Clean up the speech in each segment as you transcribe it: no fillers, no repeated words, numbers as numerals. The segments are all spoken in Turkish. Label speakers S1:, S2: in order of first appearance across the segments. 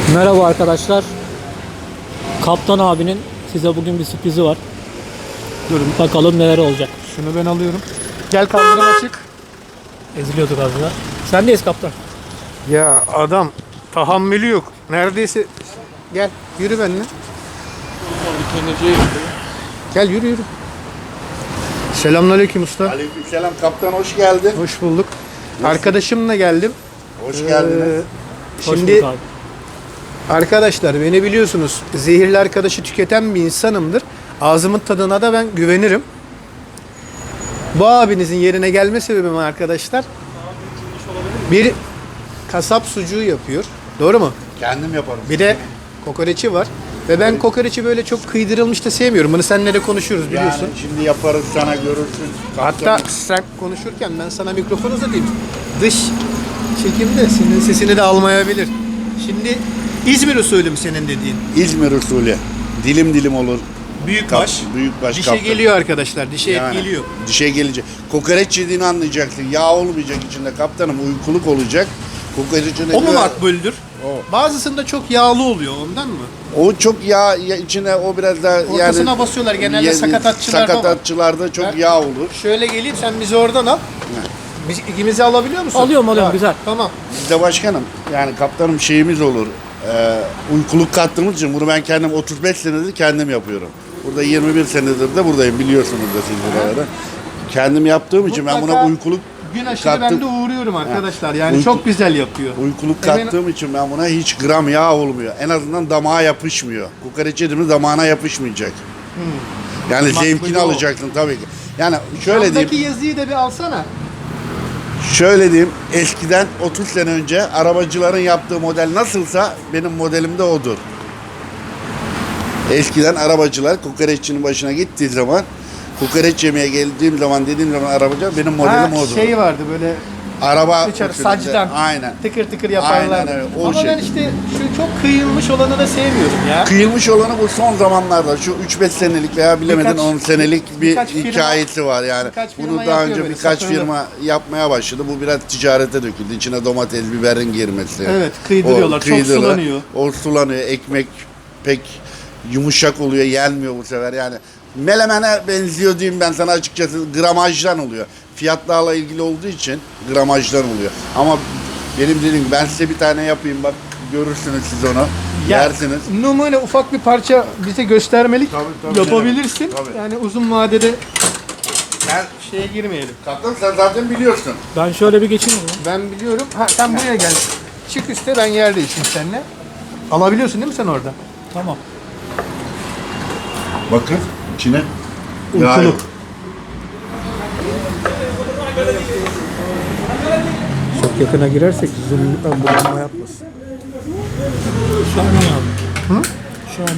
S1: Merhaba arkadaşlar. Kaptan abinin size bugün bir sürprizi var. Durun bakalım neler olacak.
S2: Şunu ben alıyorum. Gel kaldırım açık.
S1: Eziliyorduk az daha. Sendeyiz kaptan.
S2: Ya adam tahammülü yok. Neredeyse gel yürü benimle. Gel yürü yürü. Selamünaleyküm usta.
S3: Aleykümselam kaptan, hoş geldin.
S2: Hoş bulduk. Arkadaşımla geldim.
S3: Hoş geldiniz.
S1: Hoş
S2: Şimdi
S1: bulduk abi.
S2: arkadaşlar beni biliyorsunuz, zehirli arkadaşı tüketen bir insanımdır. Ağzımın tadına da ben güvenirim. Bu abinizin yerine gelme sebebim arkadaşlar, bir kasap sucuğu yapıyor. Doğru mu?
S3: Kendim yaparım.
S2: Bir de kokoreçi var. Ve ben kokoreçi böyle çok kıydırılmış da sevmiyorum. Bunu seninle de konuşuyoruz biliyorsun.
S3: Yani şimdi yaparız, sana görürsün.
S2: Hatta sen konuşurken ben sana mikrofon uzatayım. Dış çekimde senin sesini de almayabilir. Şimdi İzmir usulü mü senin dediğin?
S3: İzmir usulü. Dilim dilim olur.
S2: Büyükbaş.
S3: Büyükbaş
S2: Dişe
S3: kaptan.
S2: geliyor arkadaşlar. Dişe et
S3: Yani
S2: geliyor.
S3: Dişe gelecek. Kokoreç yediğini anlayacaksın. Yağ olmayacak içinde kaptanım. Uykuluk olacak. Kokoreçin
S2: O mu makbuldür?
S3: O.
S2: Bazısında çok yağlı oluyor ondan mı?
S3: O çok yağ içine, o biraz daha
S2: Ortasına basıyorlar. Genelde sakatatçılarda var.
S3: Sakatatçılarda çok
S2: Ben-
S3: yağ olur.
S2: Şöyle geleyim, sen bizi oradan al. Biz ikimizi alabiliyor musun?
S1: Alıyorum, güzel.
S2: Tamam.
S3: Bizde başkanım, yani kaptanım şeyimiz olur. Uykuluk kattığımız için bunu ben kendim 35 senedir kendim yapıyorum. Burada 21 senedir de buradayım, biliyorsunuz da siz buralarda. Kendim yaptığım için ben buna
S2: Mutlaka
S3: uykuluk
S2: gün aşırı ben de uğruyorum arkadaşlar. Yani
S3: Uyku-
S2: çok güzel yapıyor.
S3: uykuluk
S2: Hemen-
S3: kattığım için ben buna hiç gram yağ olmuyor. En azından damağa yapışmıyor. Kokoreç yediğimiz damağına yapışmayacak. Yani
S2: Makbul
S3: zevkini
S2: o.
S3: alacaksın tabii ki. Yani şöyle diyeyim.
S2: Şuradaki yazıyı da bir alsana.
S3: Şöyle diyeyim, eskiden 30 sene önce arabacıların yaptığı model nasılsa benim modelim de odur. Eskiden arabacılar kokoreççinin başına gittiği zaman, kokoreç yemeye geldiğim zaman, dediğim zaman arabacı, benim modelim odur.
S2: Şey vardı böyle
S3: Araba
S2: dışarı
S3: usulünde.
S2: sacdan
S3: Aynen.
S2: tıkır tıkır yaparlar.
S3: Aynen öyle, o
S2: Ama ben
S3: şekilde.
S2: işte şu çok kıyılmış olanı da sevmiyorum ya.
S3: Kıyılmış olanı bu son zamanlarda, şu 3-5 senelik veya bilemedin
S2: Birkaç-
S3: 10 senelik bir
S2: birkaç firma-
S3: hikayesi var yani.
S2: birkaç firma
S3: Bunu daha
S2: yapıyor
S3: önce
S2: böyle,
S3: birkaç
S2: satırlı.
S3: firma yapmaya başladı. Bu biraz ticarete döküldü. İçine domates, biberin girmesi.
S2: Evet, kıydırıyorlar. Çok sulanıyor.
S3: O sulanıyor. Ekmek pek yumuşak oluyor, yenmiyor bu sefer yani. Melemene benziyor diyeyim ben sana açıkçası, gramajdan oluyor. Fiyatlarla ilgili olduğu için gramajdan oluyor. Ama benim dediğim gibi, ben size bir tane yapayım, bak görürsünüz siz onu. Yersiniz.
S2: Numune ufak bir parça bize göstermelik
S3: Tabii,
S2: yapabilirsin.
S3: tabii.
S2: Yani uzun vadede
S3: Ben
S2: şeye girmeyelim.
S3: kaptan, sen zaten biliyorsun.
S1: Ben şöyle bir geçeyim mi?
S2: Ben biliyorum. Ha, sen buraya gel. Çık üstte, ben yerdeyim şimdi seninle. Alabiliyorsun değil mi sen orada?
S1: Tamam.
S3: Bakın içine.
S2: Uykuluk. Çok yakına girersek zoom'dan bulunma yapmasın.
S1: Şahane abi.
S2: Hı?
S1: Şahane.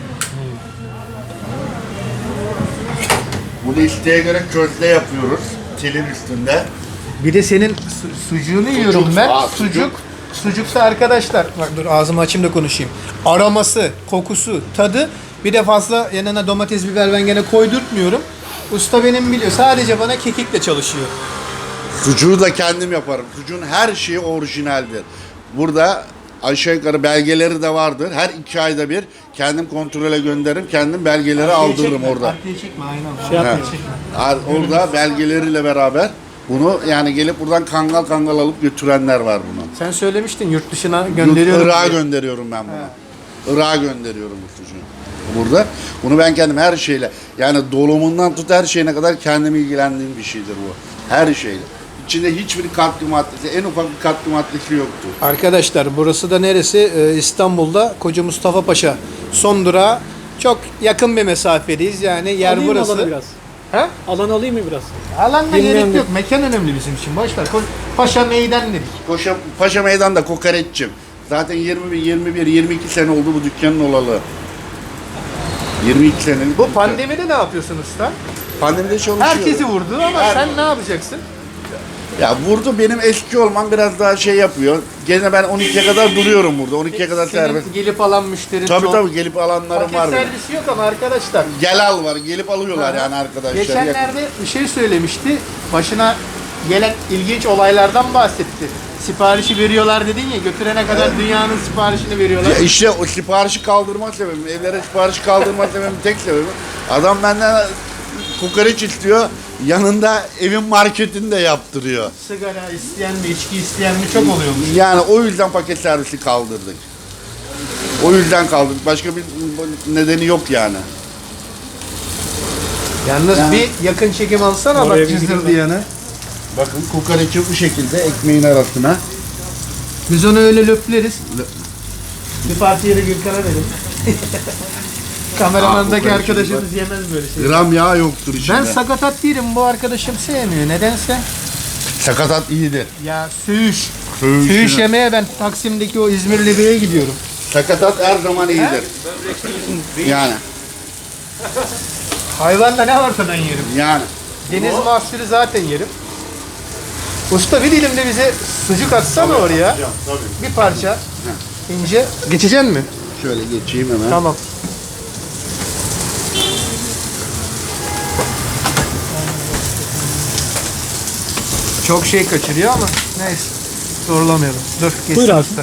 S3: Bunu isteğe göre közde yapıyoruz. Telin üstünde.
S2: Bir de senin sucuğunu yiyorum ben.
S3: Aa,
S2: Sucuk. Sucuksa arkadaşlar, bak dur ağzımı açayım da konuşayım. Aroması, kokusu, tadı, bir de fazla yanına domates, biber ben gene koydurtmuyorum. Usta benim biliyor. Sadece bana kekikle çalışıyor.
S3: Sucuğu da kendim yaparım. Sucuğun her şeyi orijinaldir. Burada aşağı yukarı belgeleri de vardır. Her 2 ayda bir kendim kontrole gönderirim. Kendim belgeleri aldırırım orada.
S2: Arkaya çekme, aynen.
S1: Şey yapma.
S3: Orada belgeleriyle beraber bunu yani gelip buradan kangal kangal alıp götürenler var bunu.
S2: Sen söylemiştin yurt dışına gönderiyorum.
S3: Irak'a
S2: diye.
S3: gönderiyorum ben bunu. Irak'a gönderiyorum bu sucuğu. Burada. Bunu ben kendim her şeyle, yani dolumundan tut her şeyine kadar kendim ilgilendiğim bir şeydir bu. Her şeyle. İçinde hiçbir katkı maddesi, en ufak bir katkı maddesi yoktur.
S2: Arkadaşlar burası da neresi? İstanbul'da Koca Mustafa Paşa son durağı. Çok yakın bir mesafedeyiz yani, yer
S1: Alayım mı
S2: burası.
S1: alanı biraz?
S2: Ha?
S1: Alan alayım mı biraz?
S2: Alanda
S1: Bilmiyorum
S2: gerek
S1: da-
S2: yok. Mekan önemli bizim için. Boş ver. Paşa meydan dedik.
S3: Paşa Meydan'da kokoreççim. Zaten 22 sene oldu bu dükkanın olalı. 22 senelik.
S2: Bu pandemide ne yapıyorsun usta?
S3: Pandemide çalışıyor.
S2: Herkesi vurdu ama sen ne yapacaksın?
S3: Ya vurdu, benim eski olmam biraz daha şey yapıyor. Gene ben 12'ye kadar duruyorum burada. 12'ye kadar
S2: Senin
S3: serbest.
S2: gelip alan müşteri
S3: Tabii
S2: çok.
S3: tabii, gelip alanlarım
S2: Paket
S3: var benim.
S2: servisi yok ama arkadaşlar.
S3: Gel al var, gelip alıyorlar yani arkadaşlar.
S2: Geçenlerde bir şey söylemişti. Başına gelen ilginç olaylardan bahsetti. Siparişi veriyorlar dedin ya, götürene kadar dünyanın siparişini veriyorlar.
S3: Ya işte o siparişi kaldırma sebebim, evlere sipariş kaldırma sebebim tek sebebim. Adam benden kokoreç istiyor, yanında evin marketini de yaptırıyor.
S2: Sigara isteyen mi, içki isteyen mi çok oluyormuş.
S3: Yani o yüzden paket servisi kaldırdık. O yüzden kaldırdık. Başka bir nedeni yok yani.
S2: Yalnız
S3: Yani-
S2: bir yakın çekim alsana
S1: Oraya
S2: bak
S1: bir gideyim
S2: cızır
S1: ben.
S2: diyanı.
S3: Bakın kokoreçi bu şekilde ekmeğin arasına.
S2: Biz onu öyle löpleriz. Bir partiye de Gürkan'a verin. Kameramandaki
S3: kokoreç
S2: arkadaşımız yemez böyle şey.
S3: Gram yağ yoktur içinde.
S2: Ben sakatat değilim, bu arkadaşım sevmiyor. Nedense?
S3: Sakatat iyidir.
S2: Ya söğüş.
S3: Söğüş
S2: Söğüş
S3: ya.
S2: yemeye ben Taksim'deki o İzmirli Bey'e gidiyorum.
S3: Sakatat her zaman iyidir. Yani.
S2: Hayvanda ne varsa ben yerim.
S3: Yani.
S2: Deniz mahsulü zaten yerim. Usta bir dilim de bize sucuk atsana oraya.
S3: Tabii.
S2: Bir parça. İnce. Geçeceksin mi?
S3: Şöyle geçeyim hemen.
S2: Tamam. Çok şey kaçırıyor ama neyse. Zorlamayalım. Dur geçsin
S1: Buyur abi.
S2: usta.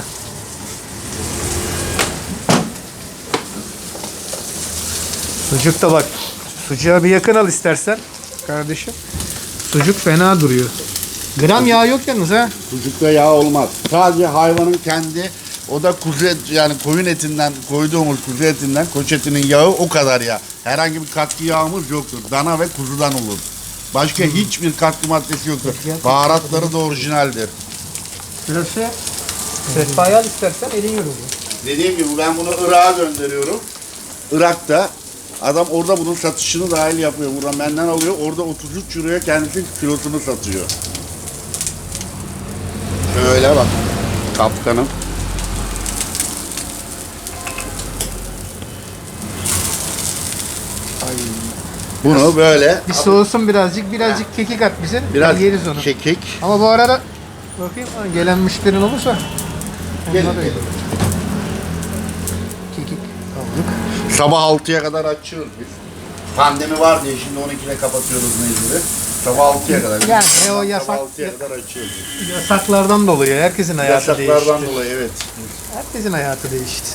S2: Sucuk da bak. Sucuğa bir yakın al istersen kardeşim. Sucuk fena duruyor. Gram yağ yok yalnız ha.
S3: Sucukta yağ olmaz. Sadece hayvanın kendi, o da kuzu et, yani koyun etinden koyduğumuz kuzu etinden, koç etinin yağı o kadar yağ. Herhangi bir katkı yağımız yoktur. Dana ve kuzudan olur. Başka hiçbir katkı maddesi yoktur. Baharatları da orijinaldir.
S2: Şurası. Sehpayı al istersen elin yorulur.
S3: Dediğim gibi ben bunu Irak'a gönderiyorum. Irak'ta adam orada bunun satışını dahil yapıyor. Buradan benden alıyor. Orada 33 euroya kendisi kilosunu satıyor. Şöyle bak. Kaptanım. Bunu böyle
S2: Bir soğusun birazcık kekik at bize.
S3: biraz
S2: Yeriz onu.
S3: kekik.
S2: Ama bu arada bakayım ha, gelen müşterin olursa
S3: Gelin,
S2: onlara da
S3: gelin.
S2: kekik aldık.
S3: Sabah 6'ya kadar açıyoruz biz. Pandemi var diye şimdi 12'de kapatıyoruz mecburi. Sabah 6'ya kadar.
S2: Yani o
S3: Sabah
S2: yasak
S3: 6'ya kadar açıyoruz.
S2: yasaklardan dolayı herkesin hayatı
S3: Yasaklardan
S2: değişti.
S3: dolayı evet.
S2: Herkesin hayatı değişti.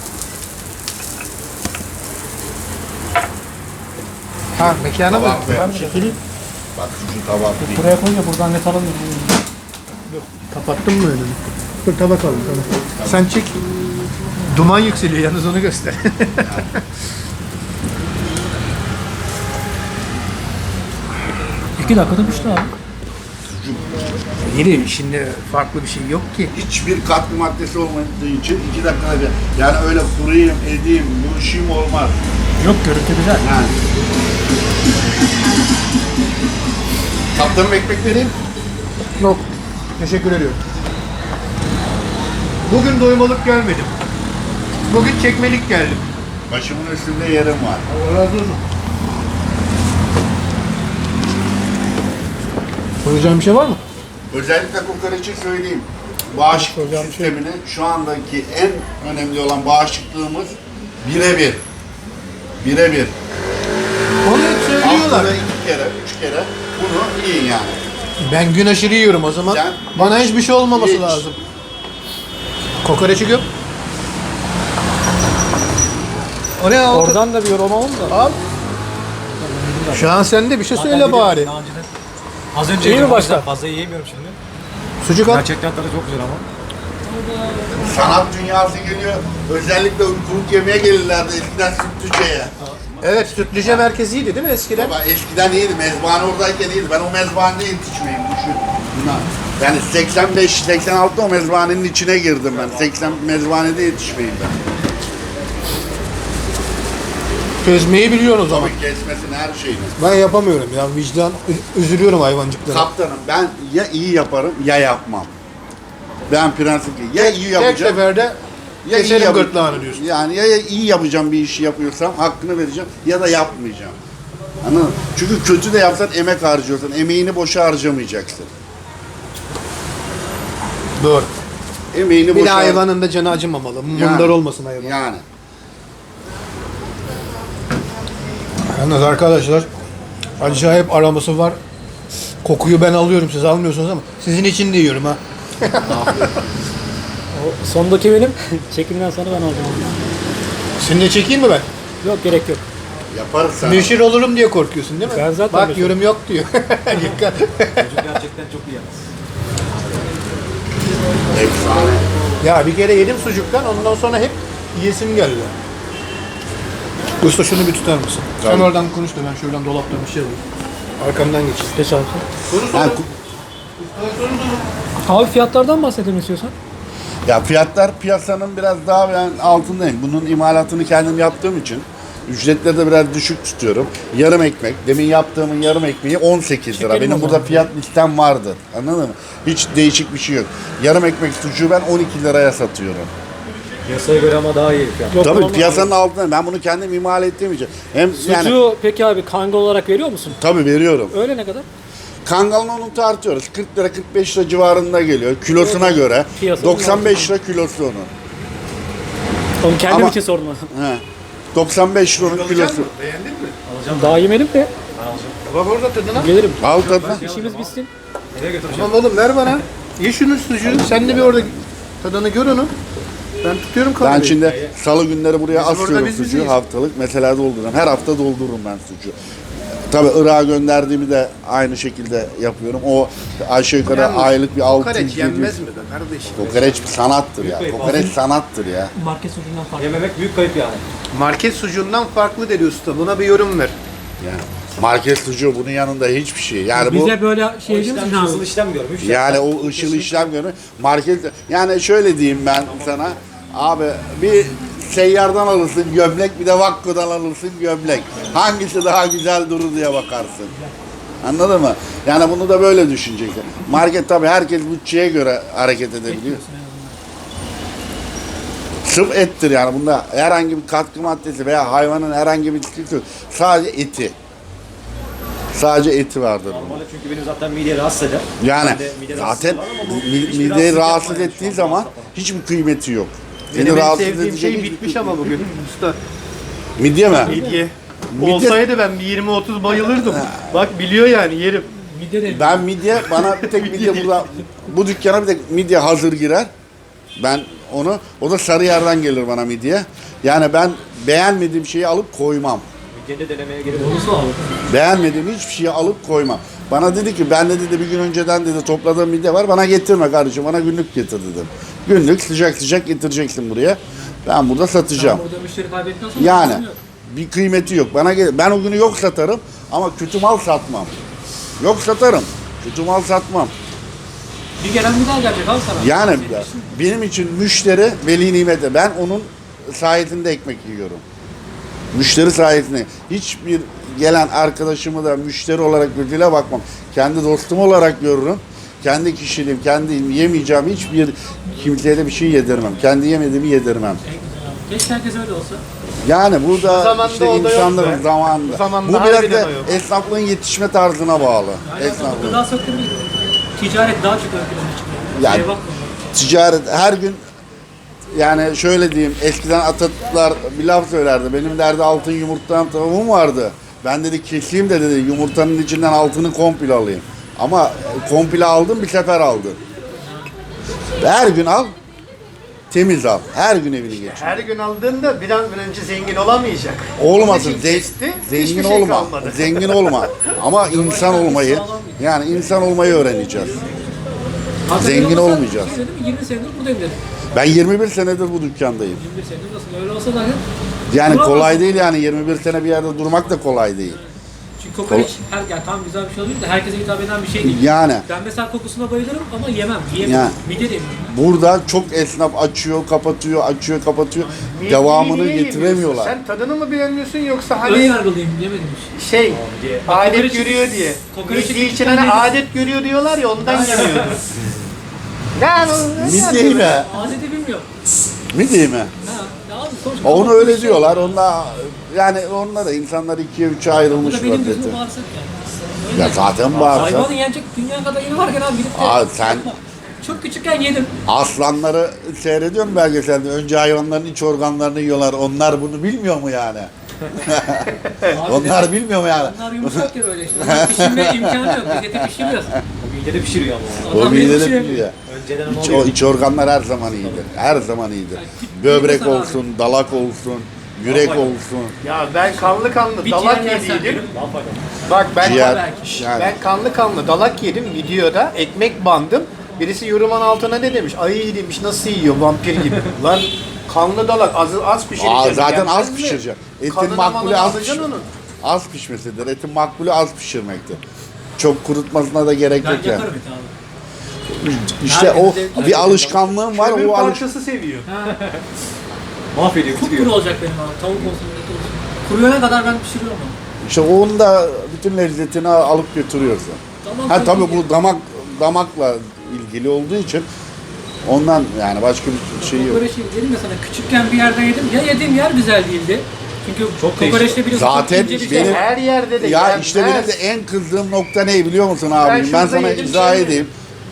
S2: Ha mekana mı?
S3: Tabak
S1: Ben
S3: ver.
S1: bir şey söyleyeyim.
S3: Bak şu tabak değil.
S1: Buraya koyunca buradan net alamıyorum.
S2: Kapattın mı önünü? Dur tabak alalım tamam. Sen çek. Duman yükseliyor yalnız onu göster.
S1: İki dakikada pişti abi.
S2: Yeni şimdi farklı bir şey yok ki.
S3: Hiçbir katkı maddesi olmadığı için 2 dakikada bir. Yani öyle kurayım, edeyim, bu işim olmaz.
S1: Yok, görüntü güzel.
S3: Yani. Kaptanım ekmek vereyim.
S2: Yok. Teşekkür ediyorum. Bugün doymalık gelmedim. Bugün çekmelik geldim.
S3: Başımın üstünde yerim var.
S2: Allah razı olsun. Soracağım bir şey var mı?
S3: Özellikle kokoreçi söyleyeyim. Bağışıklık
S1: Hocam,
S3: sistemini şu andaki en önemli olan bağışıklığımız birebir. Birebir.
S2: Onu hep söylüyorlar.
S3: Haftada 2 kere, 3 kere bunu yiyin yani.
S2: Ben gün aşırı yiyorum o zaman.
S3: Sen-
S2: Bana hiçbir şey olmaması
S3: Hiç.
S2: lazım. Kokoreçi göm. O ne aldı?
S1: Oradan da bir yorum alalım da.
S2: Al. Şu an sende bir şey söyle bari.
S4: Daha önceden. Az önce
S1: İyi mi
S4: yedim, o
S1: başta?
S4: yüzden fazla yiyemiyorum şimdi.
S2: Sucuk al.
S4: Gerçekten tadı çok güzel ama.
S3: Sanat dünyası geliyor. Özellikle uykuluk yemeye gelirlerdi eskiden Sütlüce'ye.
S2: Evet, Sütlüce merkeziydi değil mi eskiden?
S3: Baba eskiden iyiydi. Mezbahane oradayken iyiydi. Ben o mezbahanede yetişmeyeyim. Düşün. Yani 85-86'da o mezbahanenin içine girdim ben. 80 mezbahanede yetişmeyeyim ben.
S2: Çözmeyi biliyorsun o zaman.
S3: Tabii kesmesini her şeyini.
S2: Ben yapamıyorum ya, vicdan üzülüyorum hayvancıklara.
S3: Kaptanım ben ya iyi yaparım ya yapmam. Ben prensipli. Ya iyi
S2: Tek
S3: yapacağım.
S2: seferde
S3: Ya iyi
S2: keserim
S3: yap-
S2: gırtlağını diyorsun.
S3: Yani ya iyi yapacağım bir işi yapıyorsam hakkını vereceğim ya da yapmayacağım. Anladın mı? Çünkü kötü de yapsan emek harcıyorsun. Emeğini boşa harcamayacaksın.
S2: Doğru.
S3: Emeğini
S2: Bir de
S3: boşa
S2: hayvanın da canı acımamalı. Mundar olmasın hayvan.
S3: Yani.
S2: Yalnız arkadaşlar acayip aroması var. Kokuyu ben alıyorum, siz almıyorsunuz ama sizin için de yiyorum ha.
S1: O sondaki benim. Çekimden sonra ben alacağım.
S2: Seni de çekeyim mi ben?
S1: Yok, gerek yok.
S3: Yaparız sen.
S2: Meşhur olurum diye korkuyorsun değil mi?
S1: Ben zaten
S2: Bak
S1: meşhur.
S2: yorum yok diyor. Dikkat.
S4: Çocuk gerçekten çok iyi yalnız.
S3: Efsane.
S2: Ya bir kere yedim sucuktan, ondan sonra hep yiyesim geldi. Usta şunu bir tutar mısın? Sen
S3: Tabii.
S2: oradan konuş da ben şuradan dolaptan bir şey alayım. Arkamdan geç.
S1: Geç abi.
S3: Ha,
S1: Abi fiyatlardan bahsedelim istiyorsan.
S3: ya fiyatlar piyasanın biraz daha ben altındayım. Bunun imalatını kendim yaptığım için ücretleri de biraz düşük tutuyorum. Yarım ekmek, demin yaptığımın yarım ekmeği 18 lira.
S1: Çekelim o
S3: Benim burada
S1: zaman.
S3: fiyat listem vardı. Anladın mı? Hiç değişik bir şey yok. Yarım ekmek sucuğu ben 12 liraya satıyorum.
S4: Piyasaya göre ama daha iyi fiyat.
S1: Yok,
S3: Tabii
S1: ama-
S3: piyasanın altında. Ben bunu kendim imal ettiğim için. Hem yani
S1: Sucuğu peki abi kangal olarak veriyor musun?
S3: tabii veriyorum.
S1: Öyle ne kadar?
S3: Kangalın onu tartıyoruz. 40 lira 45 lira civarında geliyor kilosuna göre.
S1: Piyasanın
S3: 95 lira kilosu onun.
S1: Onu kendim
S3: Ama-
S1: için sordum.
S3: He. 95 lira onun kilosu.
S2: Beğendin mi?
S1: Daha yemedim de
S2: Bak orada tadına.
S1: gelirim.
S3: Al tadına.
S1: İşimiz bitsin.
S4: Nereye götüreceğim?
S2: Tamam oğlum ver bana. Ye şunu sucuğu. Sen de bir orada tadını gör onu. Ben tutuyorum kamerayı.
S3: Ben şimdi salı günleri buraya
S2: Bizim orada
S3: asıyorum
S2: biz
S3: sucuğu
S2: bizeyiz.
S3: haftalık. Mesela doldururum. Her hafta doldururum ben sucuğu. Tabii Irak'a gönderdiğimi de aynı şekilde yapıyorum. O aşağı yukarı
S2: Yalnız
S3: aylık bir 600
S2: Kokoreç
S3: 700.
S2: yenmez mi be kardeşim?
S3: Kokoreç bir sanattır ya.
S4: Büyük
S3: Kokoreç sanattır ya.
S1: Market sucuğundan farklı.
S4: Yememek büyük kayıp yani.
S2: Market sucuğundan farklı dedi usta. Buna bir yorum ver.
S3: Yani market sucuğu bunun yanında hiçbir şey. Yani bu
S1: Bize böyle
S4: O
S1: şey değil
S4: işlem,
S1: mi?
S4: hızlı işlem görmüş.
S3: yani o ışıl işlem görüyor. Market yani şöyle diyeyim ben sana. Abi bir seyyardan alırsın gömlek bir de Vakko'dan alırsın gömlek. Hangisi daha güzel durur diye bakarsın. Anladın mı? Yani bunu da böyle düşüneceksin. Market tabii herkes bütçeye göre hareket edebiliyor. Sırf ettir yani bunda herhangi bir katkı maddesi veya hayvanın herhangi bir sıkıntı yok. Sadece eti. Sadece eti vardır bunun.
S4: Normalde çünkü benim zaten mideyi rahatsız eder.
S3: Yani
S4: Ben de mide
S3: zaten
S4: rahatsızlığı var ama bu hiçbir
S3: mideyi
S4: rahatsızlık
S3: rahatsız
S4: yapmadı
S3: ettiği
S4: şu an
S3: zaman
S4: bu hafta.
S3: hiçbir kıymeti yok. Seni
S2: Benim en
S3: rahatsız
S2: sevdiğim
S3: edecek
S2: şey
S3: hiçbir
S2: bitmiş
S3: kıymeti
S2: ama bugün usta.
S3: Midye mi?
S2: Midye.
S3: Midye-
S2: Olsaydı ben bir 20-30 bayılırdım. Bak biliyor yani yerim.
S1: Midye de
S3: Ben midye, bana bir tek midye burada, bu dükkana bir tek midye hazır girer. Ben onu, o da Sarıyer'den gelir bana midye. Yani ben beğenmediğim şeyi alıp koymam.
S4: Midye'de denemeye gerek yok.
S1: bonusu abi.
S3: Beğenmediğim hiçbir şeyi alıp koymam. Bana dedi ki ben de dedi bir gün önceden dedi topladığım midye var bana getirme kardeşim bana günlük getir dedim. Günlük sıcak sıcak getireceksin buraya. Ben burada satacağım.
S1: Burada müşteri kaybettikten sonra
S3: Yani
S1: çözüm yok.
S3: bir kıymeti yok. Bana ben o günü yok satarım ama kötü mal satmam. Yok satarım. Kötü mal satmam.
S1: Bir gelen bir daha gelecek abi sana.
S3: Yani benim için müşteri veli nimete. Ben onun sayesinde ekmek yiyorum. Müşteri sayesinde. Hiçbir gelen arkadaşımı da müşteri olarak gözüyle bakmam. Kendi dostum olarak görürüm. Kendi kişiliğim, kendi yemeyeceğim hiçbir kimseye de bir şey yedirmem. Kendi yemediğimi yedirmem.
S1: Keşke herkes öyle olsa.
S3: Yani burada
S2: zamanda
S3: işte
S2: o da yok
S3: insanların
S2: be.
S3: zamanında.
S2: Bu zamanda
S3: Bu biraz
S2: harbiden
S3: da
S2: o yok.
S3: esnaflığın yetişme tarzına bağlı.
S1: Aynen.
S3: Esnaflığın.
S1: Gıda sektörü ticaret daha çok ön plana çıkıyor.
S3: Yani-
S1: Şeye bakma.
S3: Ticaret her gün yani şöyle diyeyim eskiden Atatürkler bir laf söylerdi. Benim derdi altın yumurtadan tavuğum vardı. Ben dedi keseyim de dedi yumurtanın içinden altını komple alayım. Ama komple aldım bir sefer aldım. Her gün al temiz al. Her gün evini geç.
S2: Her gün aldığında bir an önce zengin olamayacak.
S3: Olmasın.
S2: Onun için kesti,
S3: Zengin
S2: hiçbir şey
S3: olma.
S2: kalmadı.
S3: Zengin olma. Ama insan olmayı yani insan olmayı öğreneceğiz.
S1: Hazır
S3: Zengin
S1: öyle olsa,
S3: olmayacağız.
S1: şey dedim, 20 senedir buradayım dedim.
S3: Ben 21 senedir bu dükkandayım.
S1: 21 senedir nasıl öyle olsa dahi.
S3: Yani
S1: duramazsın.
S3: kolay değil yani 21 sene bir yerde durmak da kolay değil.
S1: Çünkü kokoreç yani tam güzel bir şey oluyor da herkese hitap eden bir şey değil.
S3: Yani
S1: Ben mesela kokusuna bayılırım ama yemem. Yiyemem.
S3: Ya.
S1: Midye de yemem.
S3: burada çok esnaf açıyor, kapatıyor, açıyor, kapatıyor.
S2: Midyeyi
S3: Devamını
S2: niye
S3: getiremiyorlar.
S2: yemiyorsun? Sen tadını mı beğenmiyorsun yoksa
S1: Ön
S2: hani
S1: yargılıyım yemedim hiç.
S2: şey adet
S1: kokoreç-
S2: görüyor diye.
S1: kokoreçi
S2: Midye için
S1: küçükken
S2: hani
S1: yedim.
S2: adet görüyor diyorlar ya ondan yemiyordu. Yani
S3: Midye mi?
S1: Adeti bilmiyorum.
S3: Midye mi?
S1: Ha, ya abi sonuçta
S3: Onu öyle diyorlar. Onlar yani onlar da insanlar ikiye üçe
S1: Bu
S3: ayrılmış
S1: da benim
S3: vaziyette.
S1: gözüm bağırsak yani. Öyle.
S3: Ya zaten bağırsak.
S1: Hayvanı yenecek dünya kadar yeni varken abi gidip de
S3: Aa, sen-
S1: çok küçükken yedim.
S3: Aslanları seyrediyorum belgeselde. Önce hayvanların iç organlarını yiyorlar. Onlar bunu bilmiyor mu yani? Onlar bilmiyor mu yani?
S5: Onlar yumuşak ya böyle işte. Onlar pişirme imkanı yok. Biz eti pişiriyoruz.
S4: O midede pişiriyor ama.
S3: O
S5: Adam
S3: midede
S5: pişiriyor.
S3: biliyor.
S4: Önceden onu
S3: İç,
S4: alıyor.
S3: iç organlar her zaman iyidir. Her zaman iyidir. Böbrek
S5: mesela
S3: olsun, dalak olsun, yürek
S4: Vallahi.
S3: olsun,
S2: Ya ben kanlı kanlı
S5: Bir
S2: dalak
S5: ciğer yersen
S2: yediydim.
S4: Daha faydalı.
S2: Bak ben
S3: ciğer.
S5: belki.
S3: Yani.
S2: ben kanlı kanlı dalak yedim videoda. Ekmek bandım. Birisi yorumun altına ne demiş? Ay demiş nasıl yiyor vampir gibi. Lan kanlı dalak az pişireceksin.
S3: Zaten
S2: Yenmez
S3: az
S2: mi?
S3: pişireceksin. Etin
S2: Kanını
S3: makbulü
S2: manını
S3: az
S2: alacaksın onun.
S3: Az pişmesidir. Etin makbulü az pişirmektir. Çok kurutmasına da gerek
S5: Ben
S3: yok yani.
S5: yaparım eti abi.
S3: İşte o
S5: Herkesin
S3: bir alışkanlığım var.
S2: Kömür
S3: O
S2: parçası seviyor.
S4: Mahvediyor,
S5: Kupkuru
S4: bitiriyor.
S5: olacak benim abi. Tavuk olsun, et olsun. Kuruyana kadar ben pişiriyorum onu.
S3: İşte onun da bütün lezzetini alıp götürüyorsun.
S5: Tamam,
S3: Ha tabii
S5: tabii
S3: bu damakla ilgili olduğu için ondan yani başka bir şey yok.
S5: Kokoreç dedim ya sana küçükken bir yerden yedim. Ya yediğim yer güzel değildi. Çünkü
S4: Çok
S5: kokoreçte biliyorsun
S3: Zaten
S5: çok ince bir şey.
S3: benim-
S2: Her yerde de
S3: Ya
S2: yenmez.
S3: işte benim de en kızdığım nokta ne biliyor musun abi? Ben
S2: şurada
S3: sana
S2: yedim,
S3: izah
S2: şey
S3: edeyim.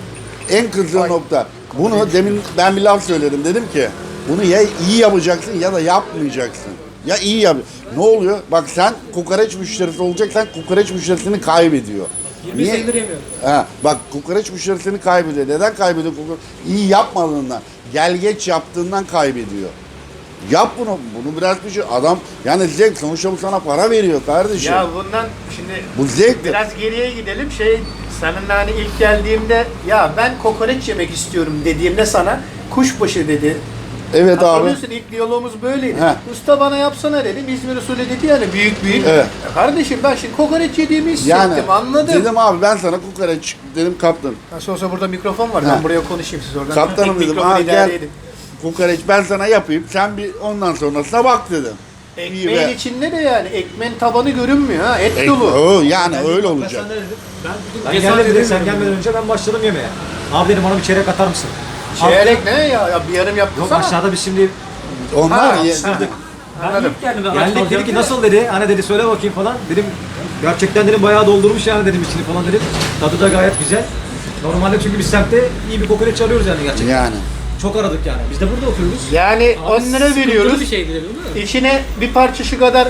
S3: En kızdığım nokta. Bunu demin ben bir laf söyledim. Dedim ki bunu ya iyi yapacaksın ya da yapmayacaksın. Ya iyi yap. Ne oluyor? Bak sen kokoreç müşterisi olacaksan kokoreç müşterisini kaybediyor.
S5: 20 senedir yemiyorum.
S3: Ha, bak kokoreç müşterisini kaybediyor. Neden kaybediyor? İyi yapmadığından, gel geç yaptığından kaybediyor. Yap bunu. Bunu biraz bir şey. Adam yani zevk. Sonuçta bu sana para veriyor kardeşim.
S2: Ya bundan şimdi
S3: Bu zevktir.
S2: biraz geriye gidelim. Seninle hani ilk geldiğimde ya ben kokoreç yemek istiyorum dediğimde sana kuşbaşı dedi.
S3: Evet abi.
S2: Hatırlıyorsun ilk diyalogumuz böyleydi.
S3: He.
S2: Usta bana yapsana dedim. İzmir usulü dedi yani büyük.
S3: Evet.
S2: Kardeşim ben şimdi kokoreç yediğimi hissettim
S3: Yani
S2: anladım.
S3: dedim abi ben sana kokoreç dedim kaptan.
S2: Nasıl olsa burada mikrofon var.
S3: He.
S2: Ben buraya konuşayım siz oradan.
S3: Kaptanım
S2: Tek
S3: dedim,
S2: mikrofonu
S3: "Aa,
S2: idare
S3: gel."
S2: edin.
S3: Kokoreç ben sana yapayım. Sen bir ondan sonrasına bak dedim. İyi
S2: Ekmeğin
S3: be.
S2: içinde de yani ekmeğin tabanı görünmüyor ha. Et
S3: E,
S2: dolu.
S3: o, yani öyle
S4: Ben
S3: olacak.
S4: sana ne dedim?
S5: Ben
S4: Ben
S5: cesaret
S4: geldim dedim, sen
S5: edemiyorum.
S4: gelmeden önce ben başladım yemeğe. Abi dedim bana bir çeyrek atar mısın?
S2: Çeyrek ne ya? Ya bir yarım
S4: Yok
S2: yaptırsana.
S4: aşağıda biz şimdi
S3: Onlar
S2: Ha,
S3: ye-
S5: Ben ilk geldim. ben aç
S4: geldik
S5: kalacağım
S4: dedi ki
S5: diye.
S4: nasıl dedi, hani dedi söyle bakayım falan. Dedim gerçekten dedim bayağı doldurmuş yani dedim içini falan dedim. Tadı da gayet güzel. Normalde çünkü biz semtte iyi bir kokoreç arıyoruz yani gerçekten.
S3: yani.
S4: Çok aradık yani. Biz de burada oturuyoruz.
S2: Yani
S5: Abi
S2: 10 lira
S5: sıkıntılı
S2: veriyoruz.
S5: bir şey değil mi?
S2: İçine bir parça şu kadar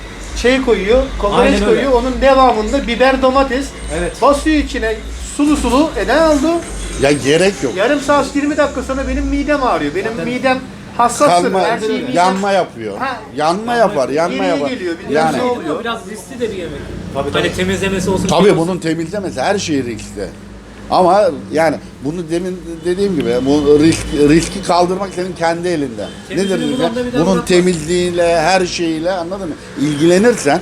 S2: şey koyuyor, kokoreç
S4: Aynen öyle.
S2: koyuyor. Onun devamında biber, domates
S4: Evet.
S2: basıyor içine sulu sulu. Ne oldu?
S3: Ya gerek yok.
S2: Yarım saat 20 dakika sonra benim midem ağrıyor. Benim midem hassastır.
S3: Kalma,
S2: Her şeyi midem.
S3: yanma yapıyor.
S2: Ha.
S3: Yanma yapar, yanma
S2: Geriye
S3: yapar.
S2: geliyor, bir
S3: Yani
S2: ne oluyor?
S5: Biraz riskli de bir yemek.
S4: Tabii,
S5: Hani
S4: tabii.
S5: temizlemesi olsun.
S3: tabii
S5: şey olsun.
S3: bunun temizlemesi her şey riskli. Ama yani bunu demin dediğim gibi bu riski kaldırmak senin kendi elinde.
S5: Temizliğini
S3: Nedir
S5: bulan da bir daha
S3: bunun
S5: bırakmaz.
S3: temizliğiyle, her şeyiyle anladın mı? İlgilenirsen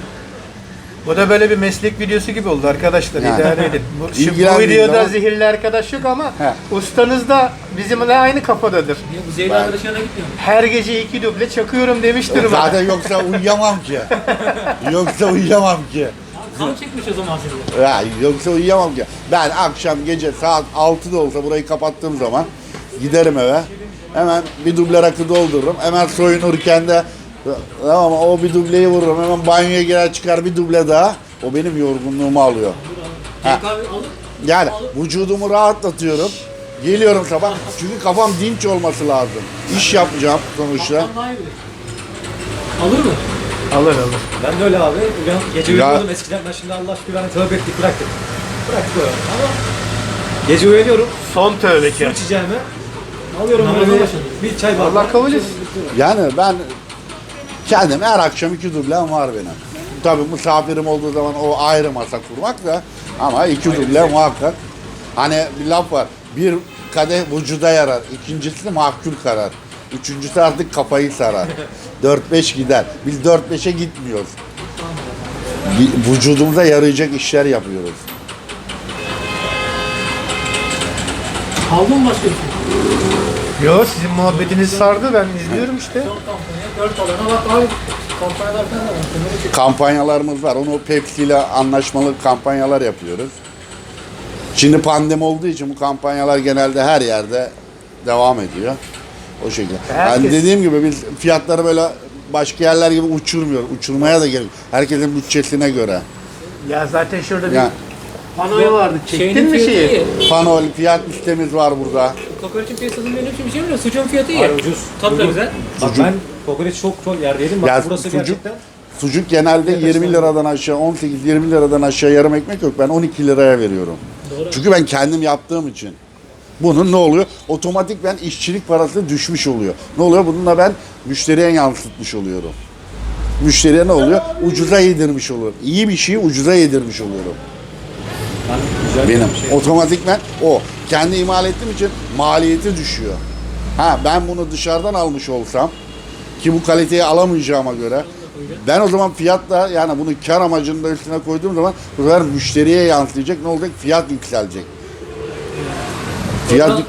S2: Bu da böyle bir meslek videosu gibi oldu arkadaşlar.
S3: Yani.
S2: İdare edin. Bu
S3: İlgilendiğin
S2: videoda
S3: zaman-
S2: zehirli arkadaş yok ama
S3: He.
S2: ustanız da bizimle aynı kafadadır.
S5: Niye bu zehirli arkadaşlarına gitmiyor?
S2: Her gece 2 duble çakıyorum demiştir bana.
S3: zaten yoksa uyuyamam ki. Yoksa uyuyamam ki.
S5: Kan çekmiş o zaman seni.
S3: Ya, yoksa uyuyamam ki. Ben akşam gece saat 6'da olsa burayı kapattığım zaman giderim eve. Hemen bir duble rakı doldururum. Hemen soyunurken de tamam o bir dubleyi vururum. Hemen banyoya girer çıkar bir duble daha. O benim yorgunluğumu alıyor. Ha.
S5: Kahve alır.
S3: Yani vücudumu rahatlatıyorum. Geliyorum sabah. Çünkü kafam dinç olması lazım. İş yapacağım sonuçta.
S5: Kaptan daha iyi bilir. Alır mı?
S2: Alır alır.
S4: Ben de öyle abi. Gece
S3: Ya-
S4: uyuyordum eskiden, ben şimdi Allah aşkına ben tövbe ettik bıraktık. Bıraktık öyle. Ama gece uyanıyorum,
S2: Son
S4: su
S2: tövbekar.
S4: içeceğime alıyorum
S5: Namaza
S4: böyle
S5: başladım.
S4: bir çay bardağı.
S2: Allah kabul etsin.
S3: Yani ben kendim her akşam 2 dublem var benim. Tabii misafirim olduğu zaman o ayrı masa kurmak da ama 2 duble muhakkak. Hani bir laf var. Bir kadeh vücuda yarar. İkincisi mahkul karar. Üçüncüsü artık kafayı sarar. 4-5 gider. Biz 4-5'e gitmiyoruz. Vücudumuza yarayacak işler yapıyoruz.
S5: Aldın mı başka bir şey?
S2: Yo sizin muhabbetiniz sardı ben izliyorum işte.
S5: Son kampanya 4 alana bak abi. Kampanyalar falan da var. Bunları çek.
S3: Kampanyalarımız var. Onu Pepsi ile anlaşmalı kampanyalar yapıyoruz. Şimdi pandemi olduğu için bu kampanyalar genelde her yerde devam ediyor. O şekilde.
S2: Herkes-
S3: Yani dediğim gibi biz fiyatları böyle başka yerler gibi uçurmuyoruz. Uçurmaya da gerek. Herkesin bütçesine göre.
S2: Ya zaten şurada bir
S3: Yani
S2: panoyu vardı. Çektin
S5: Şeyinin
S2: mi
S5: fiyatı
S2: şeyi?
S5: iyi.
S3: panol fiyat listemiz var burada.
S5: Kokoreçin piyasasının benim için bir şey mi? Sucuğun fiyatı iyi.
S4: Hayır, ucuz.
S5: Tadı da
S4: Uygun.
S5: güzel.
S4: Bak ben kokoreç çok yerde yedim. Bak
S3: Ya
S4: burası
S3: sucuk-
S4: gerçekten
S3: Sucuk genelde 20 liradan aşağı, 18-20 liradan aşağı yarım ekmek yok. Ben 12 liraya veriyorum. Çünkü ben kendim yaptığım için. Bunun ne oluyor? Otomatik ben işçilik parası düşmüş oluyor. Ne oluyor? Bununla ben müşteriye yansıtmış oluyorum. Müşteriye ne oluyor? Ucuza yedirmiş oluyorum. İyi bir şeyi ucuza yedirmiş oluyorum. Benim. Otomatikmen o. Kendi imal ettiğim için maliyeti düşüyor. Ha ben bunu dışarıdan almış olsam ki bu kaliteyi alamayacağıma göre ben o zaman fiyatla yani bunu kar amacını da üstüne koyduğum zaman bu sefer müşteriye yansıyacak. Ne olacak? Fiyat yükselecek. Fiyat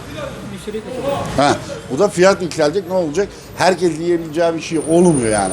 S3: ha, bu da fiyat yükselecek. Ne olacak? Herkes yiyebileceği bir şey olmuyor yani.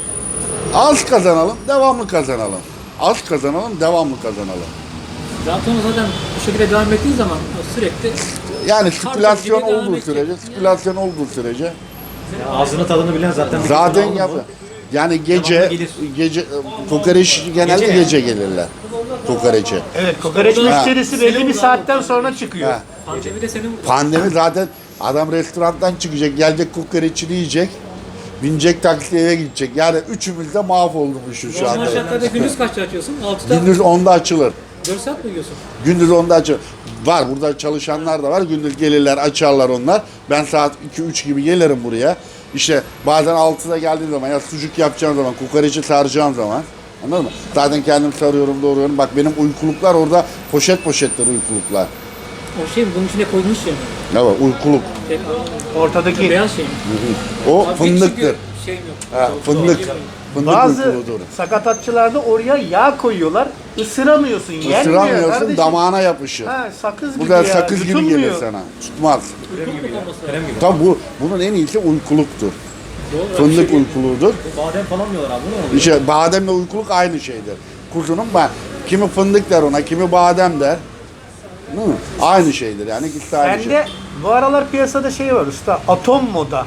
S3: Az kazanalım, devamlı kazanalım. Az kazanalım, devamlı kazanalım.
S5: Zaten bu şekilde devam ettiği zaman sürekli
S3: Yani spekülasyon
S5: gibi devam
S3: olduğu
S5: edecek.
S3: sürece, spekülasyon olduğu sürece
S4: Ya ağzının tadını bilen zaten bir
S3: zaten
S4: kez aldı
S3: yap.
S4: mı?
S3: Yani
S4: Devamlı gelir.
S3: gece kokoreç genelde
S4: Gece
S3: gece gelirler. Kokoreçe.
S2: Evet, kokoreç
S5: Ha.
S2: müşterisi belli bir saatten sonra çıkıyor.
S3: Ha.
S5: pandemi de senin
S3: Pandemi zaten adam restorandan çıkacak, gelecek kokoreçini yiyecek. Binecek taksi eve gidecek. Yani üçümüz de mahvolmuşuz şu
S5: normal
S3: anda.
S5: şartlarda gündüz kaçta açıyorsun? 6'da
S3: Gündüz 10'da açılır.
S5: 4 saat mi yiyorsun?
S3: Gündüz 10'da açılır. Var burada çalışanlar da var. Gündüz gelirler açarlar onlar. Ben saat 2-3 gibi gelirim buraya. İşte bazen 6'da geldiğim zaman ya sucuk yapacağım zaman, kokoreçi saracağım zaman. Anladın mı? Zaten kendim sarıyorum, doğruyorum. Bak benim uykuluklar orada poşet poşetler uykuluklar.
S5: O şey mi? Bunun içine koymuş ya.
S3: Ne var? Uykuluk.
S2: Ortadaki
S5: Beyaz şey mi?
S3: O
S5: Abi
S3: fındıktır.
S5: çünkü şeyim yok.
S3: Ha, fındık. Fındık
S2: bazı
S3: uykuludur.
S2: sakatatçılarda oraya yağ koyuyorlar. Isıramıyorsun, yenmiyor
S3: Isıramıyorsun,
S2: kardeşim.
S3: damağına yapışır.
S2: Ha, sakız
S3: Bu
S2: gibi
S3: da
S2: ya.
S3: sakız gibi
S2: Yutulmuyor.
S3: gelir sana. Tutmaz.
S4: Krem gibi.
S3: Tabi bunun en iyisi uykuluktur.
S5: Doğru.
S3: Fındık uykuluğudur.
S4: Bu badem falan diyorlar abi. Bu ne oluyor?
S3: İşte bademle uykuluk aynı şeydir. Kuzunun kimi fındık der ona, kimi badem der. Değil mi? Aynı şeydir yani ikisi de aynı şey.
S2: Bende bu aralar piyasada şey var usta, atom moda.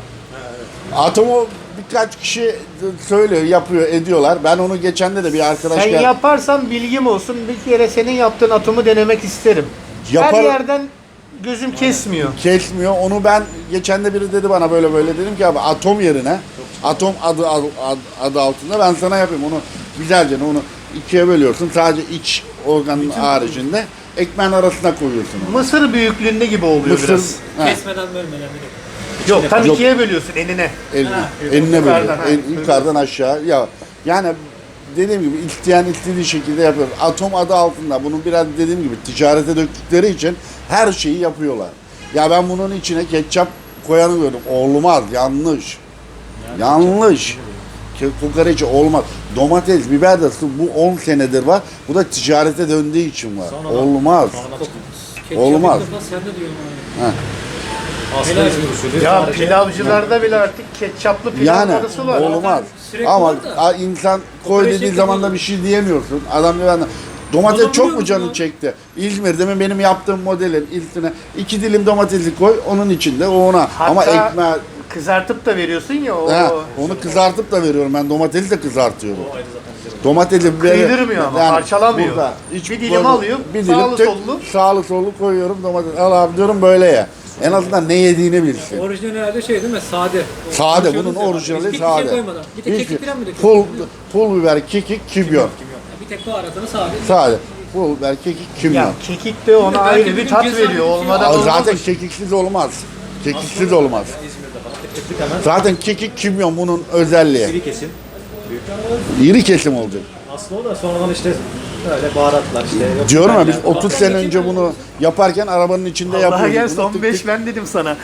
S3: Atomu birkaç kişi söylüyor, yapıyor, ediyorlar. Ben onu geçende de bir arkadaş
S2: Sen yaparsan bilgim olsun, bir kere senin yaptığın atomu denemek isterim.
S3: Yapar-
S2: Her yerden gözüm kesmiyor.
S3: kesmiyor. Onu ben geçen de biri dedi bana böyle böyle dedim ki abi atom yerine atom adı altında ben sana yapayım onu güzelce onu ikiye bölüyorsun. Sadece iç organın haricinde ekmeğin arasına koyuyorsun onu.
S2: Mısır büyüklüğünde gibi oluyor
S3: Mısır
S2: biraz.
S5: Kesmeden bölmeden direkt.
S2: Yok, tam
S3: Yok.
S2: ikiye bölüyorsun enine.
S3: Eline
S2: yukarıdan,
S3: böyle
S2: ha.
S3: yukarıdan aşağı ya yani dediğim gibi isteyen istediği şekilde yapıyor. Atom adı altında bunun biraz dediğim gibi ticarete döktükleri için her şeyi yapıyorlar. Ya ben bunun içine ketçap koyanı gördüm. Olmaz, yanlış. Yanlış. Kokoreçi olmaz. Domates, biber de bu 10 senedir var. Bu da ticarete döndüğü için var. Olmaz. Olmaz.
S5: Sen de diyorsun.
S4: Aslında İzmir usulü.
S2: Ya
S4: Sadece-
S2: pilavcılarda bile artık ketçaplı pilav
S3: Yani
S2: arası var.
S3: olmaz.
S5: Sürekli
S3: Ama
S5: var da.
S3: insan koy
S5: Kokoreç
S3: dediği
S5: şekli
S3: zaman da
S5: var.
S3: bir şey diyemiyorsun. Adam diyor ben domates
S5: Adam
S3: çok
S5: biliyor
S3: mu
S5: musun
S3: canı
S5: ya?
S3: çekti? İzmir'de mi benim yaptığım modelin üstüne 2 dilim domatesi koy onun içinde o ona. Ama
S2: Hatta
S3: ekmeği
S2: kızartıp da veriyorsun ya o.
S3: onu kızartıp da veriyorum ben domatesi de kızartıyorum. Domatesi biberi
S2: Kıydırmıyor ama, parçalamıyor.
S3: burada
S2: Bir dilim alıyor, sağlı
S3: tek-
S2: sollu.
S3: Sağlı sollu koyuyorum domates. Al abi diyorum böyle ye. En azından ne yediğini bilsin.
S5: Orijinal herhalde şey değil mi? Sade.
S3: Sade,
S5: Konuşuyordunuz
S3: bunun
S5: ya.
S3: orijinali
S5: Hiçbir
S3: sade.
S5: şey koymadan. Bir tek
S3: Hiçbir-
S5: kekik falan mı döküyorsun?
S3: Pul biber, kekik, kimyon.
S5: Bir tek baharatını sade.
S3: Sade. Pul biber, kekik, kimyon.
S2: Ya kekik de ona
S5: Belki
S2: ayrı
S5: bir
S2: bir
S5: gün
S2: tat
S5: cesaret
S2: veriyor.
S5: ediyor.
S2: Olmadan
S3: Abi
S2: olmaz.
S3: zaten kekiksiz olmaz. Kekiksiz olmaz.
S4: İzmir'de falan tık tık hemen
S3: Zaten kekik, kimyon bunun özelliği.
S4: iri kesim.
S3: İri kesim olacak.
S4: Aslında o da sonradan işte böyle baharatlar işte. yok
S3: Diyorum ya biz
S4: biberler falan.
S3: 30 sene önce bunu yaparken arabanın içinde
S2: Allah'a
S3: yapıyorduk.
S2: gel
S3: bunu.
S2: son
S3: Tık
S2: 5
S3: tık.
S2: ben dedim sana.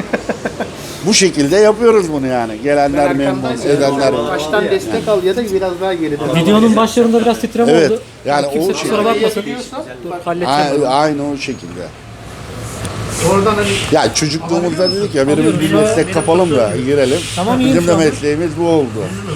S3: Bu şekilde yapıyoruz bunu yani. Gelenler memnun, edenler memnun.
S2: Baştan destek al ya da biraz daha geride.
S1: Videonun başlarında biraz titreme
S3: Evet,
S1: oldu.
S3: yani
S1: Kimse
S3: o şey-
S1: kusura bakmasın. Dur halledeceğim.
S3: Aynı o şekilde.
S2: Oradan hani
S3: Ya çocukluğumuzda dedik ya benim bir meslek kapalım da girelim.
S1: Tamam, iyiyim
S3: Bizim
S1: şu
S3: de
S1: an.
S3: mesleğimiz bu oldu.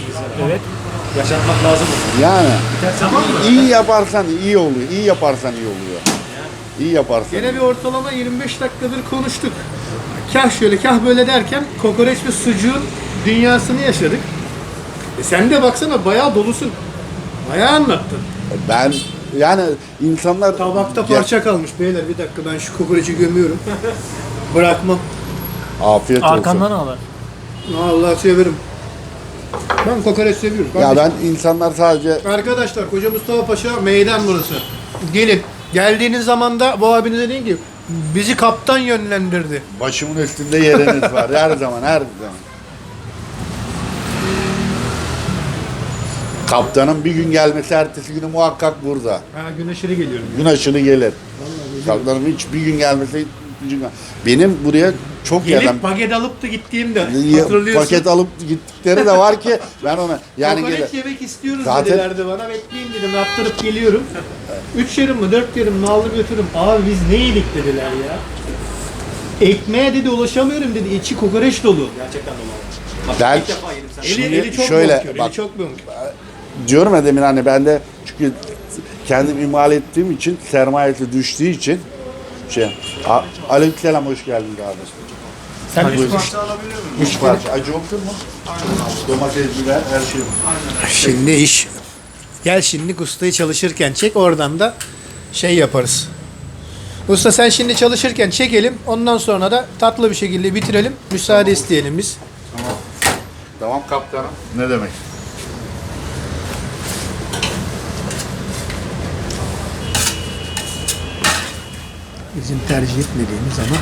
S4: Yaşatmak lazım.
S3: Yani iyi yaparsan iyi oluyor. İyi yaparsan iyi oluyor. İyi yaparsan.
S2: gene bir ortalama 25 dakikadır konuştuk. Kah şöyle kah böyle derken kokoreç ve sucuğun dünyasını yaşadık. Sen de baksana bayağı dolusun. Bayağı anlattın.
S3: Ben yani insanlar
S2: Tabakta parça kalmış beyler, bir dakika ben şu kokoreçi gömüyorum. Bırakmam.
S3: Afiyet olsun.
S1: Arkandan ağlar.
S2: Allah severim. Ben kokoreç seviyorum.
S3: Ya ben insanlar sadece
S2: Arkadaşlar Koca Mustafa Paşa meydan burası. Gelin. Geldiğiniz zaman da bu abinize deyin ki bizi kaptan yönlendirdi.
S3: başımın üstünde yeriniz var. Her zaman, her zaman. Kaptanın bir gün gelmesi ertesi günü muhakkak burada.
S2: Ha gün aşırı geliyorum.
S3: Gün aşırı gelir. Kaptanın hiç bir gün gelmesi benim buraya çok yerden
S2: Gelip paket alıp da gittiğimde hatırlıyorsun.
S3: paket alıp gittikleri de var ki ben ona yani
S2: Kokoreç yemek istiyoruz
S3: Zaten-
S2: dedilerdi bana. Bekleyin dedim. Yaptırıp geliyorum. 3 yarım mı 4 yarım mı aldım götürdüm. Abi biz ne yedik dediler ya. Ekmeğe dedi ulaşamıyorum dedi. İçi kokoreç dolu.
S4: Gerçekten dolu. Bak
S3: Ben-
S4: ilk defa yedim sen.
S3: Şimdi
S2: Eli çok
S3: şöyle,
S2: bonkör,
S3: bak.
S2: eli çok bonkör.
S3: diyorum ya demin hani ben de çünkü kendim imal ettiğim için sermayesi düştüğü için aleykümselam hoş geldin kardeşim.
S2: Sen
S3: Üç parça acı olur mu? Domates, biber, her şey var.
S2: Şimdi iş. Gel şimdi ustayı çalışırken çek oradan da şey yaparız. Usta sen şimdi çalışırken çekelim. Ondan sonra da tatlı bir şekilde bitirelim. Müsaade isteyelim biz.
S3: Tamam kaptanım. Ne demek?
S2: Bizim tercih etmediğimiz ama.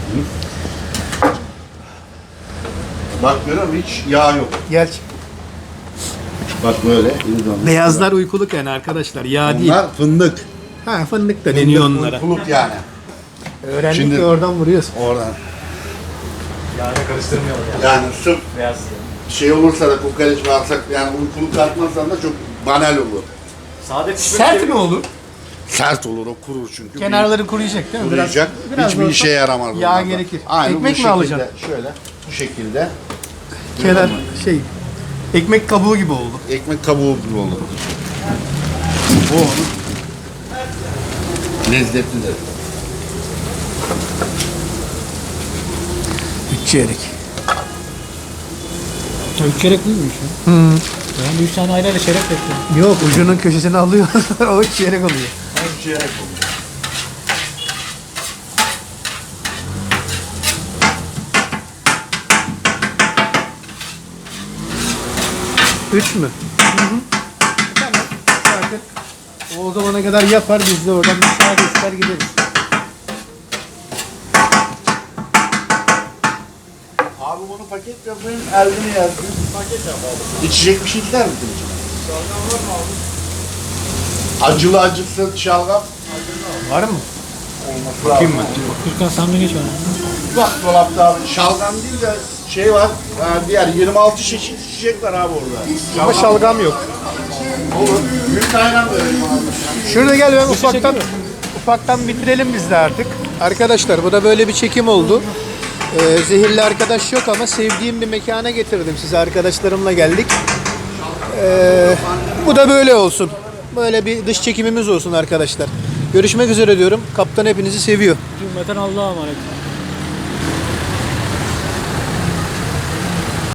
S3: Bak görüyor musun? Hiç yağ yok.
S2: Gel.
S3: Bak böyle. iyi dönüyor.
S2: Beyazlar uykuluk yani arkadaşlar. Yağ değil.
S3: Bunlar fındık.
S2: Ha fındık da deniyor onlara.
S3: Uykuluk yani.
S2: Öğrendik
S3: Şimdi-
S2: de oradan vuruyoruz.
S3: Oradan.
S4: Yani karıştırmayalım yani.
S3: Yani sırf
S4: Beyaz.
S3: şey olursa da kokoreç varsak yani uykuluk atmazsan da çok banal olur.
S4: Sade pişmiş
S2: Sert mi olur?
S3: Sert olur o kurur çünkü.
S2: Kenarları kuruyacak değil mi?
S3: kuruyacak.
S2: biraz
S3: Hiçbir
S2: olsa
S3: işe yaramaz.
S2: yağ
S3: bunlardan.
S2: gerekir.
S3: Aynen
S2: Ekmek
S3: bu
S2: mi
S3: şekilde,
S2: alacaksın?
S3: Şöyle bu şekilde
S2: Kenar şey ekmek kabuğu gibi oldu.
S3: ekmek kabuğu gibi olur. Bu onun lezzetlidir.
S2: 3 çeyrek.
S1: 3 çeyrek miymiş ya? Ben 3 tane ayrı ayrı çeyrek bekliyorum.
S2: Yok ucunun köşesini alıyor. O 3 çeyrek oluyor.
S3: Çeyrek olur.
S2: 3 mü? Tamam. Artık o zamana kadar yapar biz de oradan müsaade ister gideriz.
S3: Abi bunu paket yapayım, eldini yazdım. Paket yap abi. İçecek bir şey ister misin? Şalgam var mı abi? Acılı acısız şalgam.
S2: Var mı?
S3: Olması
S2: Bakayım
S3: lazım.
S2: ben.
S1: Gürkan sen de geç bana.
S3: Bak dolapta abi şalgam değil de şey var. Diğer 26 çeşit içecek var abi orada.
S2: Ama şalgam yok.
S3: Olur. Büyük ayran da vereyim abi.
S2: Şurada gel ben ufaktan bitirelim biz de artık. Arkadaşlar bu da böyle bir çekim oldu. Zehirli arkadaş yok ama sevdiğim bir mekana getirdim sizi. Arkadaşlarımla geldik. Bu da böyle olsun. Böyle bir dış çekimimiz olsun arkadaşlar. Görüşmek üzere diyorum. Kaptan hepinizi seviyor.
S1: Cümleten Allah'a emanet.